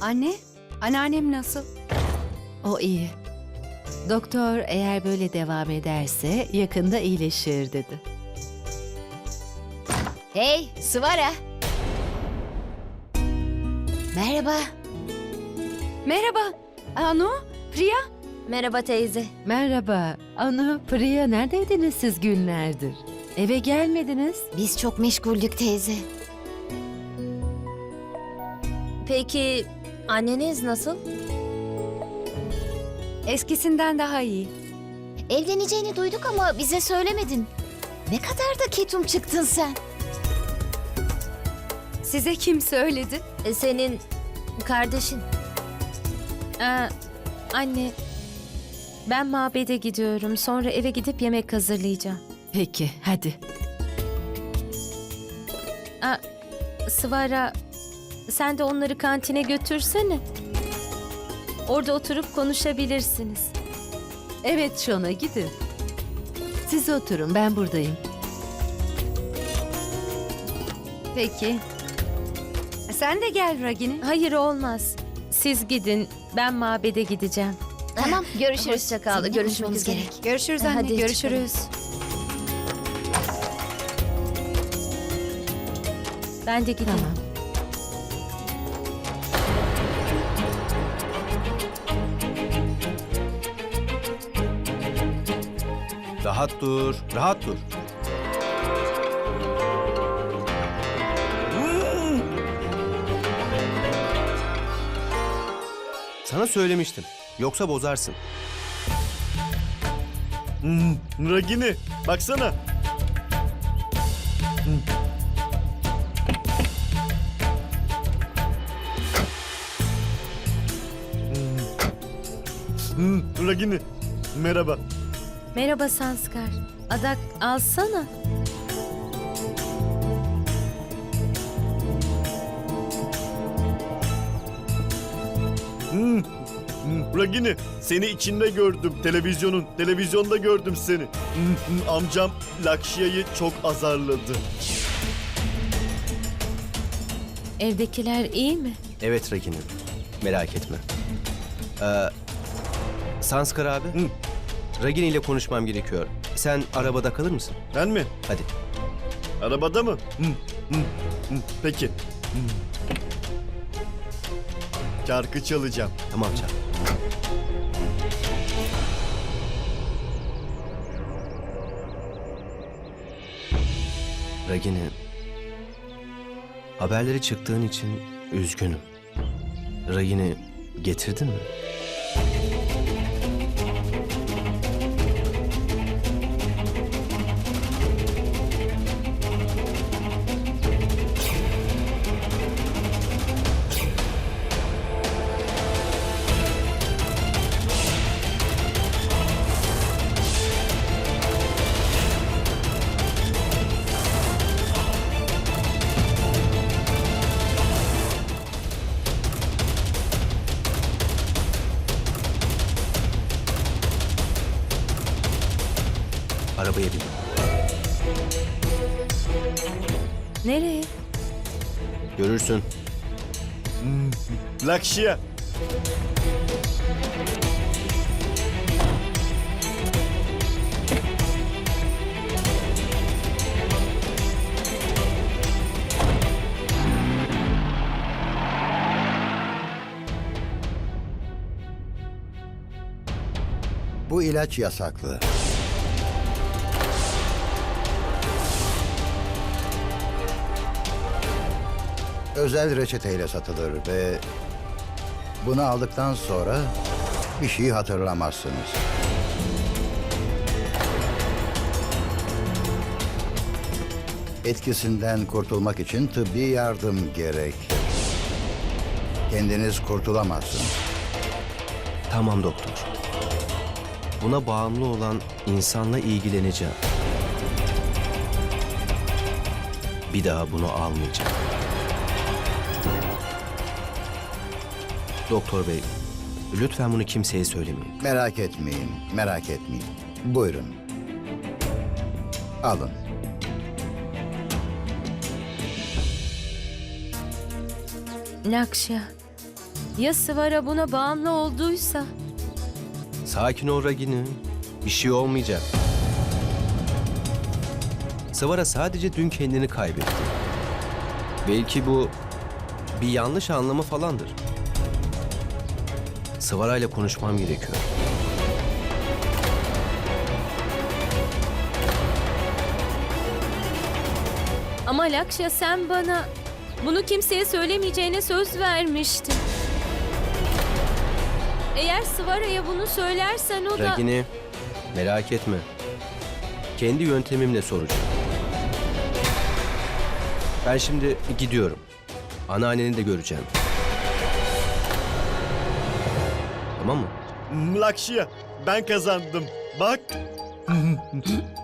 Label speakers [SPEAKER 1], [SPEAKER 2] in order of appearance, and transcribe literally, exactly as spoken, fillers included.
[SPEAKER 1] Anne, anneannem nasıl?
[SPEAKER 2] O iyi. Doktor eğer böyle devam ederse yakında iyileşir dedi.
[SPEAKER 3] Hey, Svara. Merhaba.
[SPEAKER 1] Merhaba, Anu, Priya.
[SPEAKER 3] Merhaba teyze.
[SPEAKER 2] Merhaba. Anu, Priya neredeydiniz siz günlerdir? Eve gelmediniz.
[SPEAKER 3] Biz çok meşguldük teyze. Peki anneniz nasıl?
[SPEAKER 1] Eskisinden daha iyi.
[SPEAKER 3] Evleneceğini duyduk ama bize söylemedin. Ne kadar da ketum çıktın sen.
[SPEAKER 1] Size kim söyledi?
[SPEAKER 3] E, senin kardeşin.
[SPEAKER 4] Aa, anne, ben mabede gidiyorum. Sonra eve gidip yemek hazırlayacağım.
[SPEAKER 2] Peki, hadi.
[SPEAKER 4] Aa, Svara, sen de onları kantine götürsene. Orada oturup konuşabilirsiniz.
[SPEAKER 2] Evet Şona gidin. Siz oturun, ben buradayım.
[SPEAKER 1] Peki. Sen de gel Ragini.
[SPEAKER 4] Hayır olmaz. Siz gidin, ben mabede gideceğim.
[SPEAKER 3] Tamam, görüşürüz.
[SPEAKER 1] Hoşça kal.
[SPEAKER 3] Seninle
[SPEAKER 1] Görüşmek
[SPEAKER 3] konuşmamız
[SPEAKER 1] üzere.
[SPEAKER 3] gerek.
[SPEAKER 1] Görüşürüz
[SPEAKER 3] Hadi
[SPEAKER 1] anne,
[SPEAKER 3] çıkalım.
[SPEAKER 1] görüşürüz.
[SPEAKER 4] Ben de gideyim.
[SPEAKER 2] Tamam.
[SPEAKER 5] Rahat dur, rahat dur. Sana söylemiştim. Yoksa bozarsın.
[SPEAKER 6] Hmm, Ragini, baksana. Hmm. Hmm. Hmm, Ragini, merhaba.
[SPEAKER 4] Merhaba Sanskar. Adak alsana.
[SPEAKER 6] Hmm. Hmm, Ragini, seni içinde gördüm televizyonun. Televizyonda gördüm seni. Hmm, hmm, amcam Lakşya'yı çok azarladı.
[SPEAKER 4] Evdekiler iyi mi?
[SPEAKER 5] Evet Ragini, merak etme. Ee, Sanskar abi,
[SPEAKER 6] Hı.
[SPEAKER 5] Ragini ile konuşmam gerekiyor. Sen arabada kalır mısın?
[SPEAKER 6] Ben mi?
[SPEAKER 5] Hadi.
[SPEAKER 6] Arabada mı? Hmm, hmm, hmm, peki. Hmm. Şarkı çalacağım.
[SPEAKER 5] Tamam çal. Ragini, haberleri çıktığın için üzgünüm. Ragini getirdin mi? Arabaya bin.
[SPEAKER 4] Nereye?
[SPEAKER 5] Görürsün.
[SPEAKER 6] Hmm, Lakşya.
[SPEAKER 7] Bu ilaç yasaklı. Özel reçeteyle satılır ve bunu aldıktan sonra bir şey hatırlamazsınız. Etkisinden kurtulmak için tıbbi yardım gerek. Kendiniz kurtulamazsınız.
[SPEAKER 5] Tamam doktor. Buna bağımlı olan insanla ilgileneceğim. Bir daha bunu almayacağım. Doktor bey, lütfen bunu kimseye söylemeyin.
[SPEAKER 7] Merak etmeyin, merak etmeyin. Buyurun. Alın.
[SPEAKER 4] Lakşya, Ya Svara buna bağımlı olduysa?
[SPEAKER 5] Sakin ol Ragini. Bir şey olmayacak. Svara sadece dün kendini kaybetti. Belki bu bir yanlış anlamı falandır. Svara ile konuşmam gerekiyor.
[SPEAKER 4] Ama Lakşya, sen bana bunu kimseye söylemeyeceğine söz vermiştin. Eğer Svara'ya bunu söylersen o da...
[SPEAKER 5] Ragini, merak etme. Kendi yöntemimle soracağım. Ben şimdi gidiyorum. Anneanneni de göreceğim. Tamam mı?
[SPEAKER 6] Lakşya, ben kazandım. Bak.